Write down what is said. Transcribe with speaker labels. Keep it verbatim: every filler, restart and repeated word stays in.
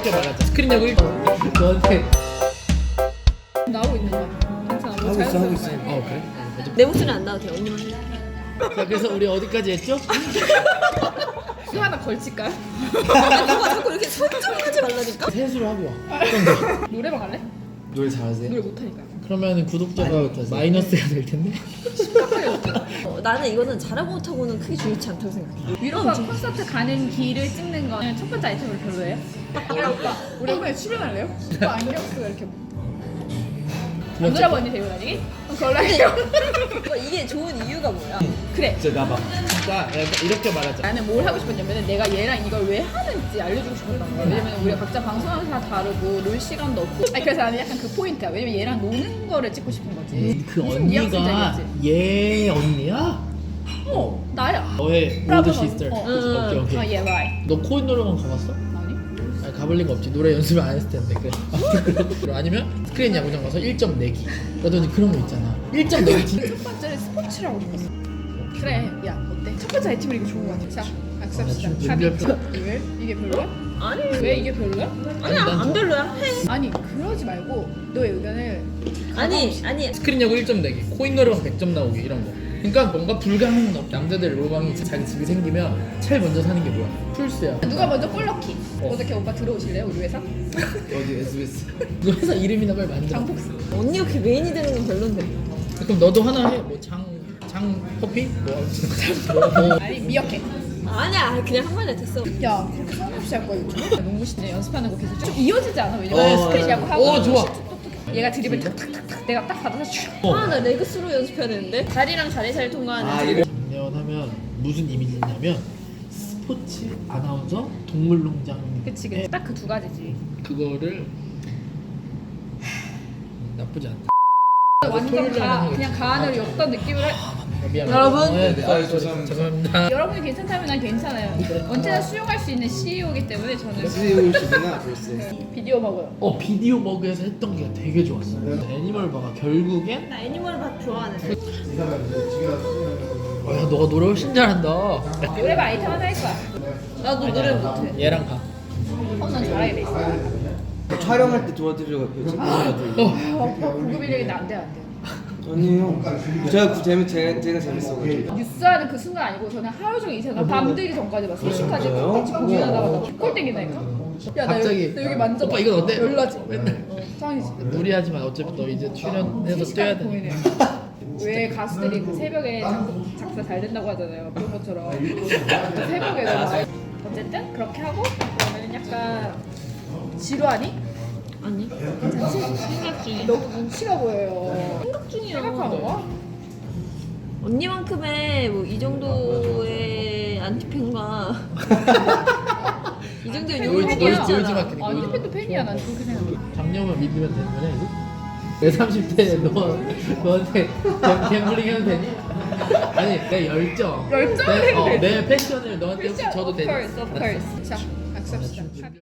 Speaker 1: 이렇게 말하자. 스크린 야구 너한테
Speaker 2: 나오고 있는 거야. 괜찮아. 뭐
Speaker 3: 하고 있어 하고 있어.
Speaker 1: 어 그래?
Speaker 4: 내 목소리 안 나도 돼. 언니만 해.
Speaker 1: 자 그래서 우리 어디까지 했죠?
Speaker 2: 이거 하나 걸칠까요?
Speaker 4: 아, 너가 자꾸 이렇게 설정하지 말라니까.
Speaker 1: 세수를 하고 와.
Speaker 2: 노래방 갈래?
Speaker 3: 노래 잘하세요?
Speaker 2: 노래 못하니까.
Speaker 1: 그러면 구독자가 마이너스가 될 텐데.
Speaker 4: 어, 나는 이거는 잘하고 못하고는 크게 중요치 않다고 생각해.
Speaker 2: 위로가 콘서트 가는 길을 찍는 거는 첫 번째 아이템으로 별로예요? 야 오빠 우리 이번에 출연할래요? 오빠 안경 쓰고 이렇게 안 돌아보 언니 데리고 다니기? 그럼 그걸로 할게요.
Speaker 4: 오빠, 이게 좋은 이유가 뭐야?
Speaker 2: 그래
Speaker 3: 진짜 나봐.
Speaker 1: 자 약간 이렇게 말하자.
Speaker 2: 나는 뭘 하고 싶었냐면 내가 얘랑 이걸 왜 하는지 알려주고 싶었던 거야. 왜냐면 우리가 각자 방송하는 다 다르고 놀 시간도 없고 아니 그래서 나는 약간 그 포인트야. 왜냐면 얘랑 노는 거를 찍고 싶은 거지.
Speaker 1: 그
Speaker 2: 무슨
Speaker 1: 언니가
Speaker 2: 뉘앙스인지
Speaker 1: 얘 언니야?
Speaker 2: 어 나야.
Speaker 1: 너의
Speaker 2: 브라보
Speaker 1: 올드 시스터.
Speaker 2: 언니. 어.
Speaker 1: 오케이 오케이.
Speaker 2: 아 얘 라이.
Speaker 1: 너 코인 노래방 가봤어?
Speaker 2: 아니?
Speaker 1: 아니 가볼 리가 없지. 노래 연습을 안 했을 텐데. 그래. 아니면 스크린 야구장 가서 일 점 내기. 라든지 그런 거 있잖아. 일 점 내기 진짜.
Speaker 2: 첫 번째는 스포츠라고 싶었어. 그래 야 어때? 첫 번째 아이템은 이거 좋은 거 같아. 자 악수합시다.
Speaker 1: 아,
Speaker 2: 가비.
Speaker 1: 준비할
Speaker 2: 왜? 이게 별로야?
Speaker 4: 아니.
Speaker 2: 왜 이게 별로야?
Speaker 4: 아니야,
Speaker 1: 난
Speaker 4: 안 별로야. 해.
Speaker 2: 아니 그러지 말고 너의 의견을
Speaker 4: 아니, 아니.
Speaker 1: 스크린 야구 일 점 내기. 코인 노래방 백 점 나오기 이런 거. 그러니까 뭔가 불가능은 없. 남자들 로망이 자기 집이 생기면 제일 먼저 사는 게 뭐야? 풀스야.
Speaker 2: 누가 먼저 골 넣기.
Speaker 1: 어.
Speaker 2: 어떻게 오빠 들어오실래요 우리 회사?
Speaker 3: 어디 에스비에스?
Speaker 1: 너 회사 이름이나 빨리 만들어.
Speaker 2: 장폭스.
Speaker 4: 언니가 그렇게 메인이 되는 건 별론데.
Speaker 1: 그럼 너도 하나 해. 뭐 장, 장 커피? 뭐 아무튼 뭐, 뭐.
Speaker 2: 아니 미역해.
Speaker 4: 아니야, 그냥 한 마디 됐어.
Speaker 2: 야 그렇게 성없이 할 거야 요즘? 농구 시즌 연습하는 거 계속 좀 이어지지 않아? 왜냐면
Speaker 3: 어,
Speaker 2: 스크린 야구 하고
Speaker 1: 어, 좋아.
Speaker 2: 얘가 드리블 탁탁탁탁 내가 딱 받아서 슉.
Speaker 1: 어.
Speaker 4: 아, 나 레그스로 연습해야 되는데. 자리랑 자리 사이를 통과하는.
Speaker 3: 아 이거
Speaker 1: 작년하면 무슨 이미지냐면 스포츠 아나운서 동물농장.
Speaker 2: 그치 그치 딱 그 두 가지지.
Speaker 1: 그거를 나쁘지 않다.
Speaker 2: 완전
Speaker 1: 토요일에
Speaker 2: 가
Speaker 1: 하는
Speaker 2: 그냥 가안으로 엮던 느낌을 할.
Speaker 1: 미안.
Speaker 4: 여러분.
Speaker 1: 네, 네,
Speaker 3: 아,
Speaker 1: 아,
Speaker 3: 죄송합니다.
Speaker 1: 죄송합니다.
Speaker 2: 여러분이 괜찮다면 난 괜찮아요. 언제나 수용할 수 있는 씨이오이기 때문에 저는
Speaker 3: 에스비에스구나 벌써.
Speaker 2: 비디오 먹어요.
Speaker 1: 어 비디오 버그에서 했던 게 되게 좋았어. 애니멀 버가 결국엔
Speaker 4: 나 애니멀 밥 좋아하는데.
Speaker 1: 어, 야 너가 노래 훨씬 잘한다.
Speaker 2: 노래방 아이템 하나 할 거야.
Speaker 4: 나도 노래 못해.
Speaker 1: 얘랑 가.
Speaker 2: 어, 난 잘하게 돼 있어.
Speaker 3: 촬영할 때 도와드리려고 했거든요.
Speaker 2: 아, 오빠 고급 인력인데 안 돼, 안 돼.
Speaker 3: 아니요. 제가 그 재미 제가, 제가 재밌어가지고.
Speaker 2: 뉴스하는 그 순간 아니고 저는 하루 종일 이 생각 밤들기 전까지 봤어. 시까지
Speaker 3: 진짜요?
Speaker 2: 같이 공연하다가 나콜 땡긴다니까. 야, 나
Speaker 1: 갑자기.
Speaker 2: 여기, 나 여기 만져.
Speaker 1: 오빠 이건 어때?
Speaker 2: 열나지.
Speaker 1: 맨날.
Speaker 2: 어, 짱이지.
Speaker 1: 무리하지만 어차피 너 이제 출연해서 뛰어야 돼.
Speaker 2: 고민해. 왜 가수들이 그 새벽에 작- 작사 잘 된다고 하잖아요. 그런 것처럼 새벽에 너무 어쨌든 그렇게 하고 그러면 약간 지루하니?
Speaker 4: 아니.
Speaker 2: 괜찮지?
Speaker 4: 생각 중이야.
Speaker 2: 너무 눈치가 보여요.
Speaker 4: 생각 중이야.
Speaker 2: 생각하는 거야?
Speaker 4: 언니만큼의 뭐 이 정도의 안티팬과 이 정도의
Speaker 1: 요-
Speaker 4: 욕을
Speaker 1: 요-
Speaker 4: 듣고
Speaker 1: 요-
Speaker 4: 있잖아.
Speaker 1: 요즘 같은
Speaker 2: 아니 팬도 팬이야 난 그렇게 생각해.
Speaker 1: 작년만 믿으면 되는 거냐 이제? 내 삼십 대 너 너한테 갬- 갬블링 해도 되니? 아니 내 열정.
Speaker 2: 열정을
Speaker 1: 내,
Speaker 2: 해도
Speaker 1: 어,
Speaker 2: 되지.
Speaker 1: 내 패션을 너한테 혹시 줘도
Speaker 2: of
Speaker 1: 되니?
Speaker 2: course, of course. 자, 악수합시다.